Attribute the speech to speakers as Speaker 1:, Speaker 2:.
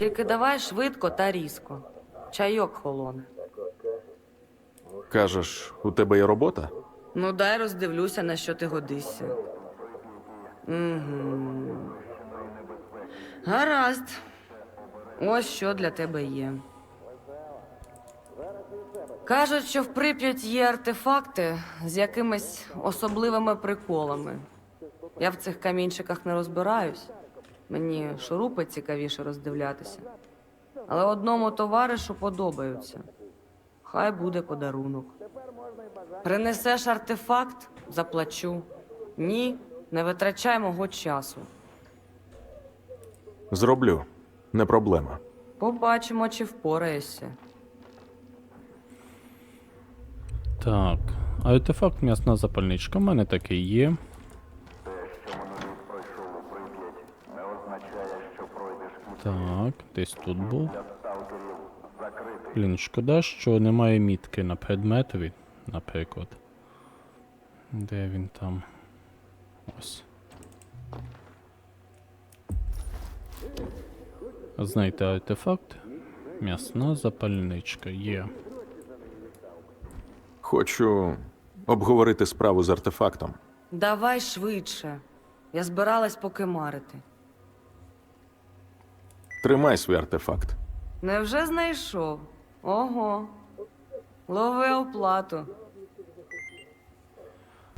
Speaker 1: Тільки давай швидко та різко. Чайок холоне.
Speaker 2: Кажеш, у тебе є робота?
Speaker 1: Ну, дай роздивлюся, на що ти годишся. Угу. Гаразд. Ось що для тебе є. Кажуть, що в Прип'яті є артефакти з якимись особливими приколами. Я в цих камінчиках не розбираюсь. Мені шурупи цікавіше роздивлятися. Але одному товаришу подобаються. Хай буде подарунок. Принесеш артефакт – заплачу. Ні, не витрачай мого часу.
Speaker 2: Зроблю. Не проблема.
Speaker 1: Побачимо, чи впораєшся.
Speaker 3: Так, артефакт м'ясна запальничка, в мене такий є. Так, десь тут був. Блін, шкода, що немає мітки на предметові, наприклад. Де він там? Ось. Знайти артефакт. М'ясна запальничка є.
Speaker 2: Хочу обговорити справу з артефактом.
Speaker 1: Давай швидше. Я збиралась покимарити.
Speaker 2: Тримай свій артефакт.
Speaker 1: Невже знайшов? Ого. Лови оплату.